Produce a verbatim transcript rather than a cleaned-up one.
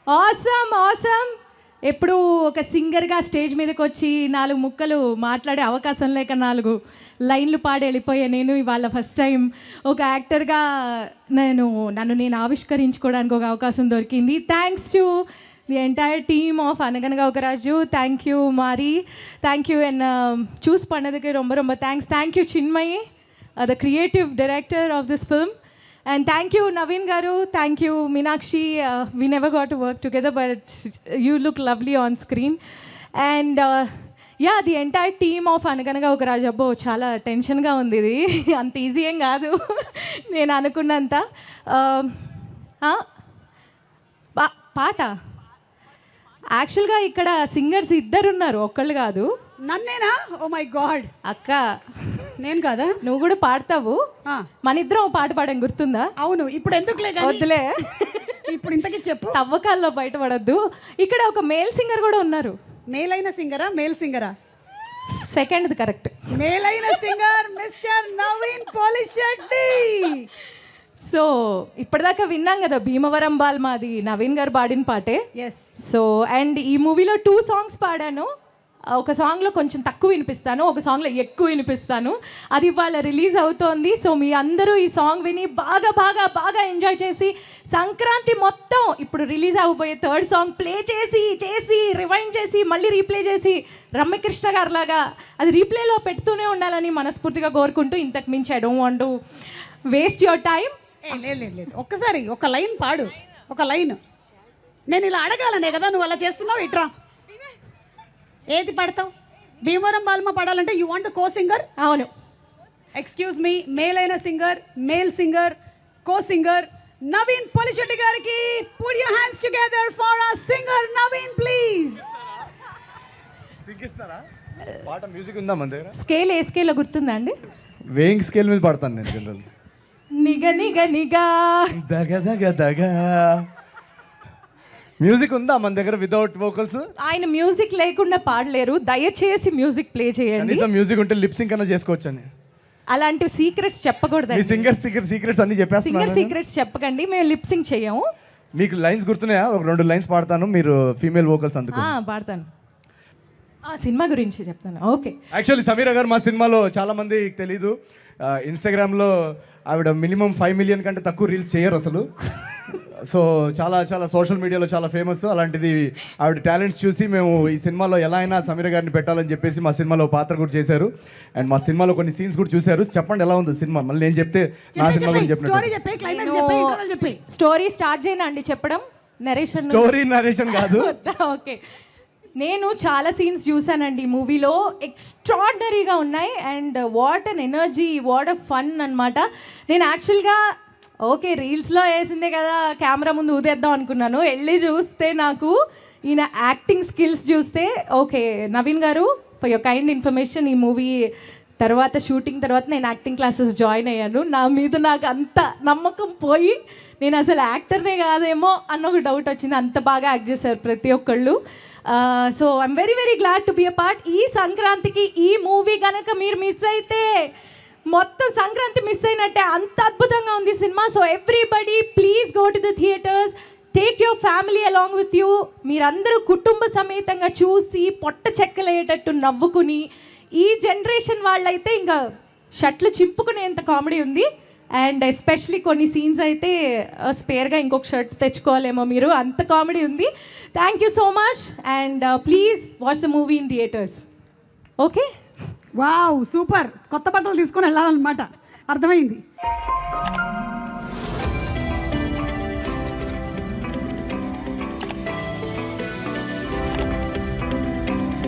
Awesome awesome ఎప్పుడు ఒక సింగర్గా స్టేజ్ మీదకి వచ్చి నాలుగు ముక్కలు మాట్లాడే అవకాశం లేక నాలుగు లైన్లు పాడి వెళ్ళిపోయా నేను ఇవాళ ఫస్ట్ టైం ఒక యాక్టర్గా నేను నన్ను నేను ఆవిష్కరించుకోవడానికి ఒక అవకాశం దొరికింది. Thanks to the entire team of Anaganaga Oka Raju. Thank you Mari, thank you and choose பண்ணதுக்கு ரொம்ப ரொம்ப thanks. Thank you Chinmayi, the creative director of this film. And thank you Naveen garu, thank you Meenakshi. Uh, we never got to work together but you look lovely on screen. And uh, yeah, the entire team of Anaganaga Oka Raju abbo chaala tension ga undi idi anta easy em gaadu nenu anukunnanta. ha paata యాక్చువల్గా ఇక్కడ singers ఇద్దరు ఉన్నారు, ఒక్కళ్ళు కాదు. నన్నేనా? Oh my god. అక్క నేను కదా? నువ్వు కూడా పాడతావు. మన ఇద్దరం పాట పాడడం గుర్తుందా? అవును. ఇప్పుడు ఎందుకులే, వద్దులే. ఇప్పుడు ఇంతకీ చెప్పు. తవ్వకాల్లో బయటపడద్దు. ఇక్కడ ఒక మేల్ సింగర్ కూడా ఉన్నారు. మేల్ అయిన సింగరా మేల్ సింగరా? Second correct. మేల్ అయిన singer mister Naveen Polishetty. So ఇప్పటిదాకా విన్నాం కదా భీమవరం బాల్ మాది నవీన్ గారు పాడిన పాటే. ఎస్. సో అండ్ ఈ మూవీలో టూ సాంగ్స్ పాడాను. ఒక సాంగ్లో కొంచెం తక్కువ వినిపిస్తాను, ఒక సాంగ్లో ఎక్కువ వినిపిస్తాను. అది ఇవాళ రిలీజ్ అవుతోంది. సో మీ అందరూ ఈ సాంగ్ విని బాగా బాగా బాగా ఎంజాయ్ చేసి సంక్రాంతి మొత్తం ఇప్పుడు రిలీజ్ అవ్వబోయే థర్డ్ సాంగ్ ప్లే చేసి చేసి రివైండ్ చేసి మళ్ళీ రీప్లే చేసి రమ్యకృష్ణ గారు లాగా అది రీప్లేలో పెడుతూనే ఉండాలని మనస్ఫూర్తిగా కోరుకుంటూ ఇంతకు మించి I don't want to waste your time. లేదు లేదు లేదు, ఒక్కసారి ఒక లైన్ పాడు, ఒక లైన్. నేను ఇలా అడగాలనే కదా నువ్వు అలా చేస్తున్నావు. ఇట్రా, ఏది పాడతావు? భీమవరం బాల్మ పాడాలంటే యూ వాంట్ కో సింగర్? అవును. ఎక్స్క్యూజ్ మీ, మేల్ అయిన singer, male singer, co singer Naveen Polishetty గారికి put your hands together for our singer Naveen please. సింగిస్తారా? పాట మ్యూజిక్ ఉందా మన దగ్గర? స్కేల్ ఏ స్కేల్లో గుర్తుందా అండి? వేయింగ్ స్కేల్ మీద పాడతాను నేను జనరల్. నిగ నిగ నిగా దగ దగ దగ మ్యూజిక్ ఉందా మన దగ్గర వితౌట్ వోకల్స్? ఆయన మ్యూజిక్ లేకుండా పాడలేరు, దయచేసి మ్యూజిక్ ప్లే చేయండి. కనీసం మ్యూజిక్ ఉంటే లిప్ సింక్ అన్న చేసుకోవచ్చు అని. అలాంటి సీక్రెట్స్ చెప్పకూడదు. సింగర్ సీక్రెట్ సీక్రెట్స్ అన్ని చెప్పేస్తున్నారు. సింగర్ సీక్రెట్స్ చెప్పకండి, మేము లిప్ సింక్ చేయము. మీకు లైన్స్ గుర్తున్నాయా? ఒక రెండు లైన్స్ పాడతాను, మీరు ఫీమేల్ వోకల్స్ అందుకు. పాడతాను. ఆ సినిమా గురించి చెప్తాను. ఓకే. యాక్చువల్లీ సమీరా గారు మా సినిమాలో చాలా మంది తెలీదు, ఇన్స్టాగ్రామ్లో ఆవిడ మినిమం ఫైవ్ మిలియన్ కంటే తక్కువ రీల్స్ చేయరు అసలు. సో చాలా చాలా సోషల్ మీడియాలో చాలా ఫేమస్. అలాంటిది ఆవిడ టాలెంట్స్ చూసి మేము ఈ సినిమాలో ఎలా అయినా సమీర గారిని పెట్టాలని చెప్పేసి మా సినిమాలో పాత్ర కూడా చేశారు. అండ్ మా సినిమాలో కొన్ని సీన్స్ కూడా చూశారు. చెప్పండి ఎలా ఉంది సినిమా? మళ్ళీ నేను చెప్తే నా సినిమా గురించి చెప్పినట్టు. స్టోరీ స్టార్ట్ చేయనా అండి చెప్పడం? నరేషన్? స్టోరీ నరేషన్ కాదు. ఓకే. నేను చాలా సీన్స్ చూసానండి మూవీలో, ఎక్స్ట్రాడినరీగా ఉన్నాయి. And what an energy, what a fun అనమాట. నేను యాక్చువల్గా ఓకే రీల్స్లో వేసిందే కదా కెమెరా ముందు ఊదేద్దాం అనుకున్నాను. వెళ్ళి చూస్తే నాకు ఈయన యాక్టింగ్ స్కిల్స్ చూస్తే okay Naveen garu for your kind information, ఈ మూవీ తర్వాత షూటింగ్ తర్వాత నేను యాక్టింగ్ క్లాసెస్ జాయిన్ అయ్యాను. నా మీద నాకు అంత నమ్మకం పోయి నేను అసలు యాక్టర్నే కాదేమో అన్న ఒక డౌట్ వచ్చింది. అంత బాగా యాక్ట్ చేశారు ప్రతి ఒక్కళ్ళు. So I'm very very glad to be a part. ఈ సంక్రాంతికి ఈ మూవీ కనుక మీరు మిస్ అయితే మొత్తం సంక్రాంతి మిస్ అయినట్టే, అంత అద్భుతంగా ఉంది సినిమా. So everybody please go to the theatres, take your family along with you. మీరందరూ కుటుంబ సమేతంగా చూసి పొట్ట చెక్కలేటట్టు నవ్వుకుని, ఈ జనరేషన్ వాళ్ళైతే ఇంకా షర్ట్లు చింపుకునేంత కామెడీ ఉంది. అండ్ ఎస్పెషలీ కొన్ని సీన్స్ అయితే స్పేర్గా ఇంకొక షర్ట్ తెచ్చుకోవాలేమో మీరు, అంత కామెడీ ఉంది. Thank you so much and please watch the movie in theatres. Okay. Wow, super. కొత్త బట్టలు తీసుకొని వెళ్ళాలన్నమాట, అర్థమైంది.